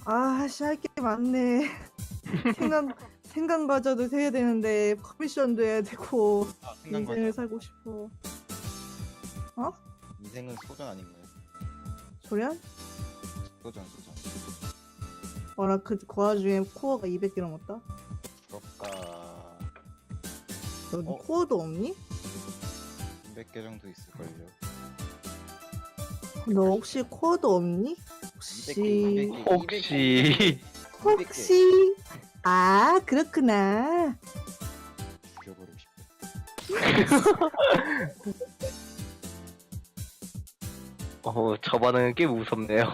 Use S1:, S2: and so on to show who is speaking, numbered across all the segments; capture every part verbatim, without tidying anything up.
S1: 아씨, 할 게 많네. 생각 생각마저도 해야 되는데 커미션도 해야 되고
S2: 아, 생각
S1: 인생을
S2: 맞아.
S1: 살고 싶어. 어?
S2: 인생은 소전 아닌가요?
S1: 소련?
S2: 소전, 소전.
S1: 어나 그, 그 와중에 코어가 이백 개 넘었다.
S2: 부럽다.
S1: 너는
S2: 어?
S1: 코어도 없니?
S2: 이백 개 정도 있을걸요.
S1: 너 혹시 코어도 없니? 혹시
S2: 이백 개,
S3: 혹시
S1: 혹시 아 그렇구나.
S2: 죽여버리고 싶어.
S3: 어, 저 반응은 꽤 무섭네요.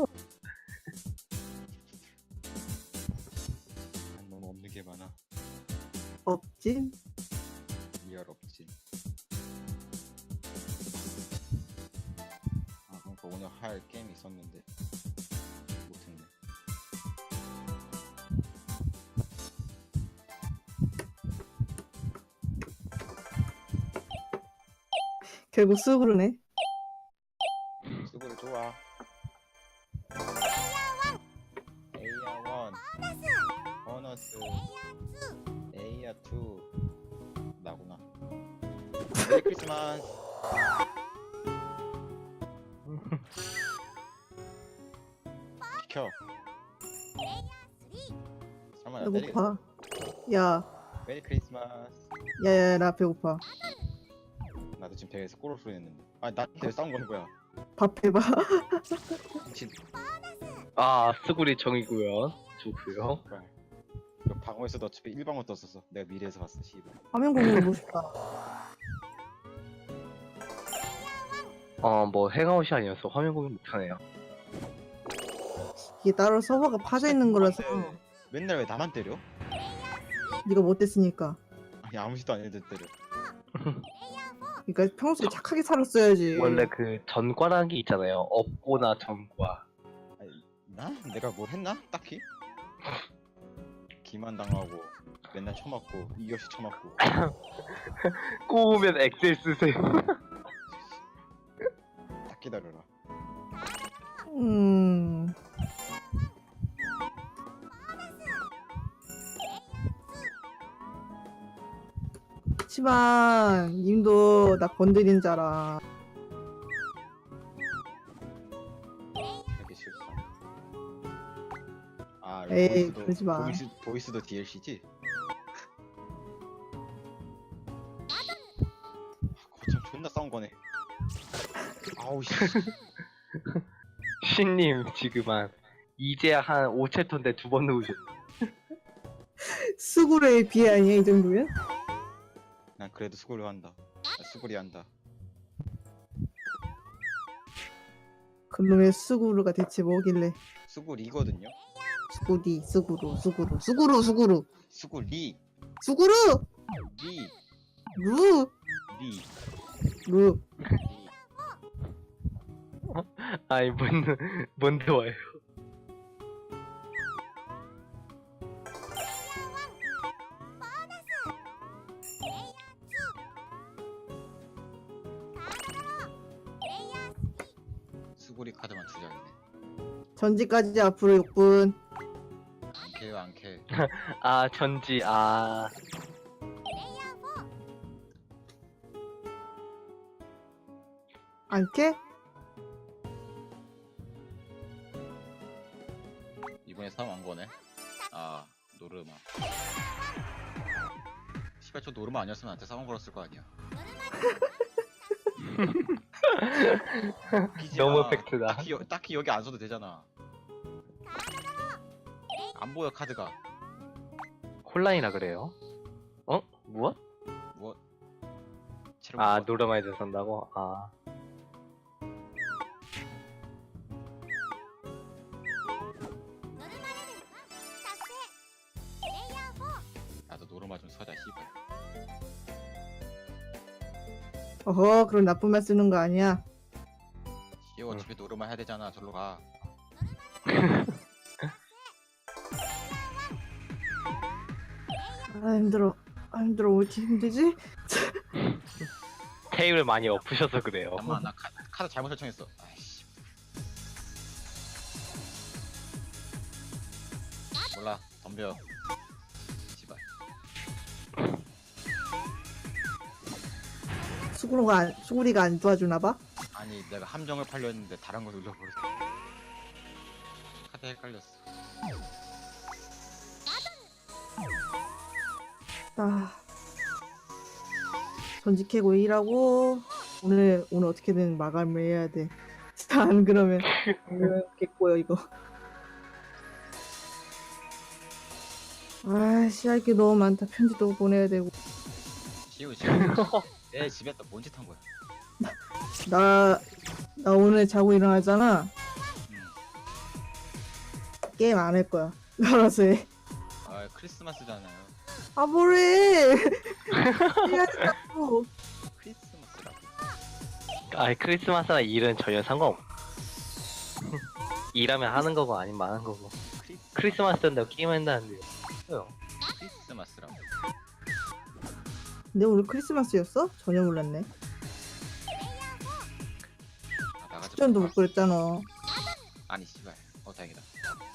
S2: 난 너무 없는 게 많아.
S1: 없진.
S2: 리얼 없지. 아, 그러니까 오늘 할 게임이 있었는데 못했네.
S1: 결국 쑥으로네.
S2: 수고를 좋아. 에이아 원 보너스 에이아 투 나구나. 메리 크리스마스. 시켜. 설마 나 때리겠어?
S1: 배고파. 야,
S2: 메리 크리스마스.
S1: 야야, 나 배고파.
S2: 나도 지금 대회에서 꼬르 소리 냈는데. 아니 나한테 왜 싸운 거는 거야?
S1: 밥 해봐.
S2: 미친.
S3: 아, 스구리 정이고요. 좋고요.
S2: 발. 이거 방어에서도 어차피 일방어 떴었어. 내가 미래에서 봤어. 씨발.
S1: 화면 공유 보고 싶다.
S3: 어, 뭐 행아웃이 아니어서 화면 공유 못하네요.
S1: 이게 따로 서버가 파져 있는 거라서
S2: 근데 맨날 왜 나만 때려?
S1: 네가 못됐으니까.
S2: 아니 아무 짓도 안 해도 때려.
S1: 그러니까 평소에 착하게 살았어야지.
S3: 원래 그 전과라는 게 있잖아요. 업고나 전과.
S2: 아니, 나? 내가 뭘 했나? 딱히? 기만 당하고 맨날 쳐맞고 이없이 쳐맞고.
S3: 꼬우면 엑셀 쓰세요.
S2: 딱 기다려라.
S1: 음. 그렇지만 님도 나 건드린 자라.
S2: 하기 싫다. 아 이거
S1: 에이,
S2: 보이스도
S1: 그러지 마.
S2: 보이스, 보이스도 디엘씨지? 아, 거참 존나 싸운 거네. 아우 씨.
S3: 신님 지금 한 이제 한 오 챕터인데 두 번 누우셨네.
S1: 스구레에 비해 아니야 이 정도면?
S2: 난 그래도 수고를 한다. 아, 수고리 한다.
S1: 그놈의 스구루가 대체 뭐길래?
S2: 수고리거든요.
S1: 수구리, 수구루, 수구루, 수구루, 수구루,
S2: 수고리,
S1: 수구루,
S2: 리,
S1: 루,
S2: 리,
S1: 루.
S2: 리.
S3: 아이, 뭔, 뭔데 와요.
S2: 수고리 카드만 두 장이네.
S1: 전지까지 앞으로 육 분.
S2: 안 캐요 안 캐.
S3: 아, 전지, 아.
S1: 안 캐?
S2: 이번에 싸움 안 거네. 아 노르마. 시발 저 노르마 아니었으면 나한테 싸움 걸었을 거 아니야. 웃기지
S3: 너무
S2: 마.
S3: 팩트다.
S2: 딱히, 여, 딱히 여기 안 써도 되잖아. 안 보여 카드가.
S3: 혼란이라 그래요? 어? 무엇?
S2: 뭐?
S3: 아, 노르마이드 산다고? 아.
S2: 나도 노르마 좀 서자 씨발.
S1: 어허, 그런 나쁜 말 쓰는 거 아니야.
S2: 씨 어차피 노르마 해야 되잖아. 절로 가.
S1: 아 힘들어. 아 힘들어. 왜 이렇게 힘들지?
S3: 테이블 많이 엎으셔서 그래요.
S2: 잠깐만 나 카, 카드 잘못 설정했어. 아이씨. 몰라 덤벼. 씨발.
S1: 수구리가 안, 수구리가 안 도와주나 봐.
S2: 아니 내가 함정을 팔려 했는데 다른 걸 눌러버렸어. 카드 헷갈렸어.
S1: 아. 전지 캐고 일하고 오늘 오늘 어떻게든 마감을 해야 돼. 안 그러면 오늘 겠고요 이거. 아씨 할 게 너무 많다. 편지도 보내야 되고.
S2: 지우 지금 내 집에 또 뭔 짓 한 거야?
S1: 나, 나 오늘 자고 일어나잖아.
S2: 음.
S1: 게임 안 할 거야. 알아서 해.
S2: 아 크리스마스잖아요.
S1: 아 뭐래. 해야겠다고.
S2: 크리스마스라고.
S3: 아이 크리스마스나 일은 전혀 상관없. 일하면 하는 거고 아니면 안 하는 거고.
S2: 크리스
S3: 크리스마스 때인데 게임 한다는데요.
S2: 크리스마스라고.
S1: 근데 오늘 크리스마스였어? 전혀 몰랐네.
S2: 아, 나가지
S1: 추천도
S2: 마.
S1: 못 그랬잖아.
S2: 아니 씨발. 어 다행이다.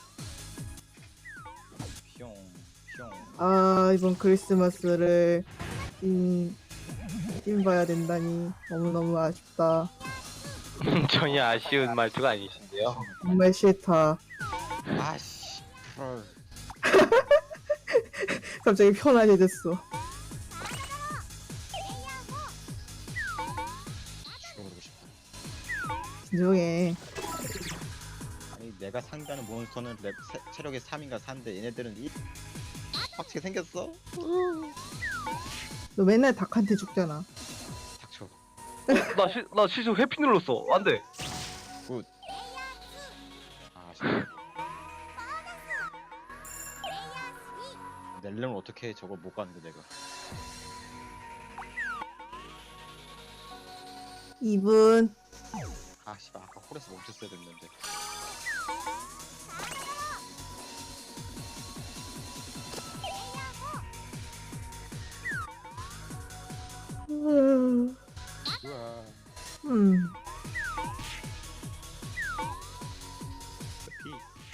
S2: 뿅 뿅.
S1: 아 이번 크리스마스를 찐, 찐 봐야 된다니 너무너무 아쉽다.
S3: 전혀 아쉬운 말투가 아니신데요.
S1: 정말 싫다.
S2: 아씨. 헐.
S1: 갑자기 편안해졌어.
S2: 죽어버리고 싶다.
S1: 진정해.
S2: 아니 내가 상대하는 몬스터는 랩 세, 체력이 삼인가 사인데 얘네들은 이 빡치게 생겼어?
S1: 너 맨날 닭한테 죽잖아.
S2: 닥쳐.
S3: 나, 시, 나 실수 회피 눌렀어. 안 돼.
S2: 아 아쉽다. 낼려면 어떻게 저거 못 가는데 내가.
S1: 이 분.
S2: 아 씨발 아까 홀에서 멈췄어야 됐는데.
S1: 음.
S2: 우와.
S1: 음.
S2: 피.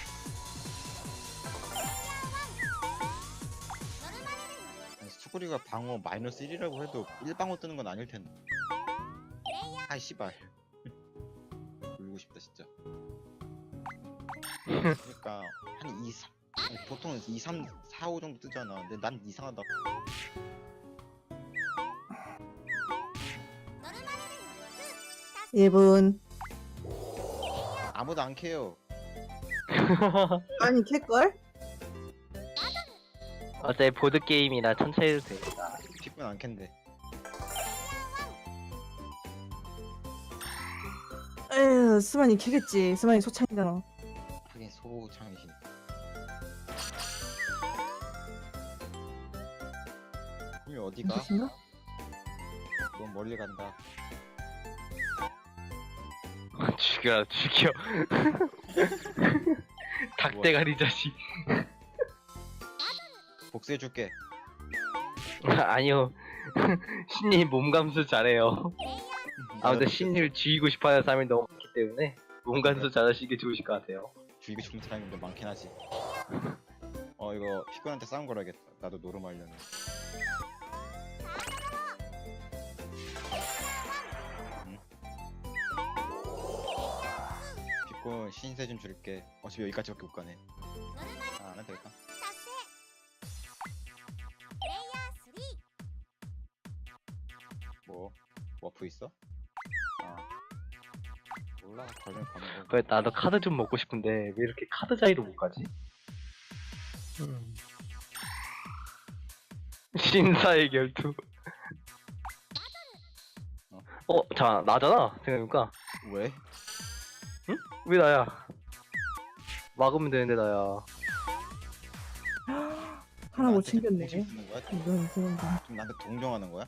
S2: 아니, 수구리가 방어 마이너스 일이라고 해도 일 방어 뜨는 건 아닐 텐데. 아이 씨발. 울고 싶다 진짜. 그러니까 한 이, 삼 아니, 보통은 이, 삼, 사, 오 정도 뜨잖아. 근데 난 이상하다.
S1: 일 분.
S2: 아무도 안 캐요.
S1: 아니 캘걸?
S3: 어차피 보드게임이라 천천히 해도 돼.
S2: 픽은 안 캔데.
S1: 에휴 스마니 캐겠지. 스마니 소창이잖아.
S2: 하긴 소창이시니까. 그럼 어디가?
S1: 무엇인가?
S2: 너무 멀리 간다.
S3: 죽여, 죽여. 닭대가리 자식.
S2: 복수해줄게.
S3: 아니요. 신님 몸 감수 잘해요. 아무튼 신님을 죽이고 싶어하는 사람이 너무 많기 때문에 몸 감수 잘하시는 게 좋으실 것 같아요.
S2: 죽이고 싶은 사람이 좀 많긴 하지. 어 이거 피곤한테 싸움 걸어야겠다. 나도 노름하려면. 응? 피곤 신세 좀 줄게. 어차피 여기까지밖에 못 가네. 아, 안 해도 되겠다. 뭐? 워프 있어? 아 몰라. 걸면 가는 거.
S3: 그래 나도 카드 좀 먹고 싶은데 왜 이렇게 카드 자리로 못 가지? 신사의 결투.
S2: 어?
S3: 어, 자 나잖아 생각해보니까.
S2: 왜?
S3: 왜 나야? 막으면 되는데 나야.
S1: 하나 못
S2: 나한테
S1: 챙겼네.
S2: 공식 쓰는 거야?
S1: 이런 이상한다.
S2: 좀 나한테 동정하는 거야?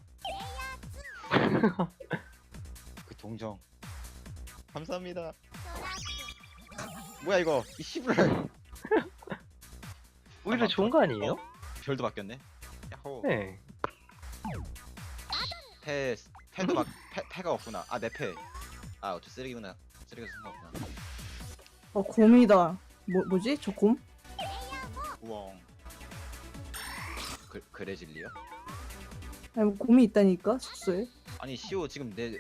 S2: 그 동정 감사합니다. 뭐야 이거 이 씨발.
S3: 오히려 좋은 거 아니에요?
S2: 별도 바뀌었네. 야호.
S3: 네.
S2: 패 패도 막 패, 패가 없구나. 아 내 패. 아 어째 쓰레기구나. 쓰레기가 상관없구나.
S1: 어 곰이다. 뭐 뭐지? 저 곰?
S2: 후엉. 그, 그래 진리요?
S1: 아니 뭐 곰이 있다니까 숙소에.
S2: 아니 시오 지금 내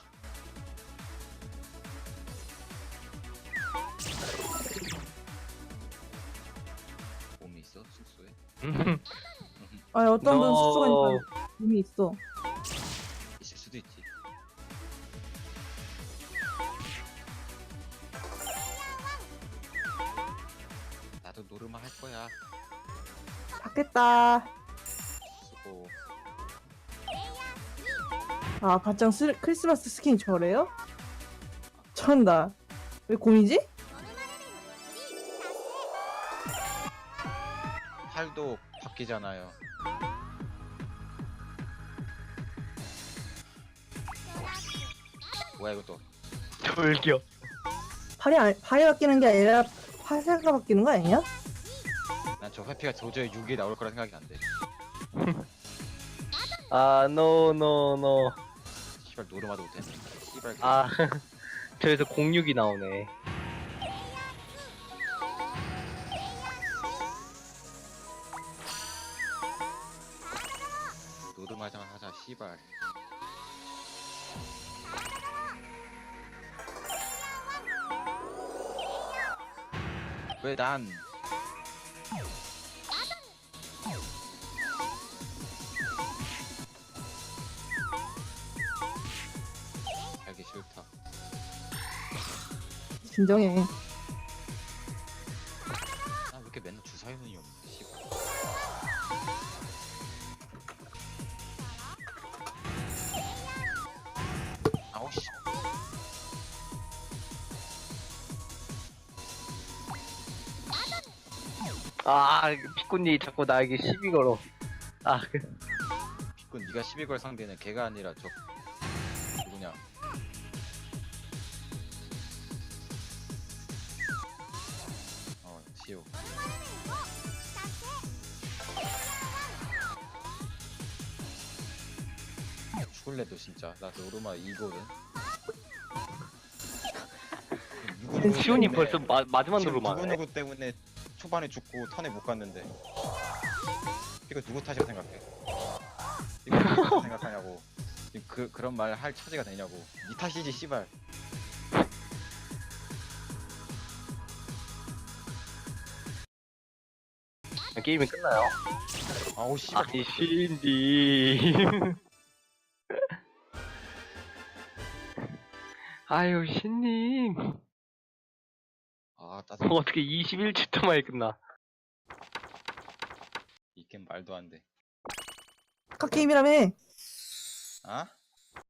S2: 곰이 있어 숙소에?
S3: 아,
S1: 아니 어떤 분
S3: 너-
S1: 숙소 가니까 곰이 있어.
S2: 있을 수도 있지. 나도 노르마 할 거야.
S1: 받겠다.
S2: 수고.
S1: 아 가짱 스, 크리스마스 스킨이 저래요? 전다. 왜 곰이지?
S2: 팔도 바뀌잖아요. 뭐야 이거 또?
S3: 돌격.
S1: 팔이 안, 팔이 바뀌는 게 아니라 파세가 바뀌는 거 아니야?
S2: 난 저 회피가 도저히 육 에 나올 거라 생각이 안 돼.
S3: 아, 노, 노, 노.
S2: 씨발 노르마도 못했네. 씨발.
S3: 아, 저기서 공육이 나오네.
S2: 노르마장 하자. 씨발. 왜 난? 알기 싫다.
S1: 진정해.
S2: 나 왜 이렇게 맨날 주사위문이 없네. 씨발. 아우 씨.
S3: 아, 피꾼이 자꾸 나에게 시비 걸어. 아, 그-
S2: 비꾼 네가 시비 걸 상대는 걔가 아니라 저 누구냐? 어, 시오. 죽을래도 진짜 나 노르마 이거든.
S3: 시온이 벌써 마, 마지막 누르만.
S2: 누구 누구 때문에 초반에 죽고 턴에 못 갔는데 이거 누구 탓이라 생각해? 이거 누구 탓이라 생각하냐고. 지금 그 그런 말 할 처지가 되냐고. 니 탓이지 씨발.
S3: 게임이 끝나요.
S2: 아우 씨발.
S3: 아니, 신디. 아유, 신님.
S2: 아 따뜻.
S3: 어떻게 이십일 초 동안에 끝나?
S2: 이 게임 말도 안 돼.
S1: 아까 게임이라며.
S2: 아?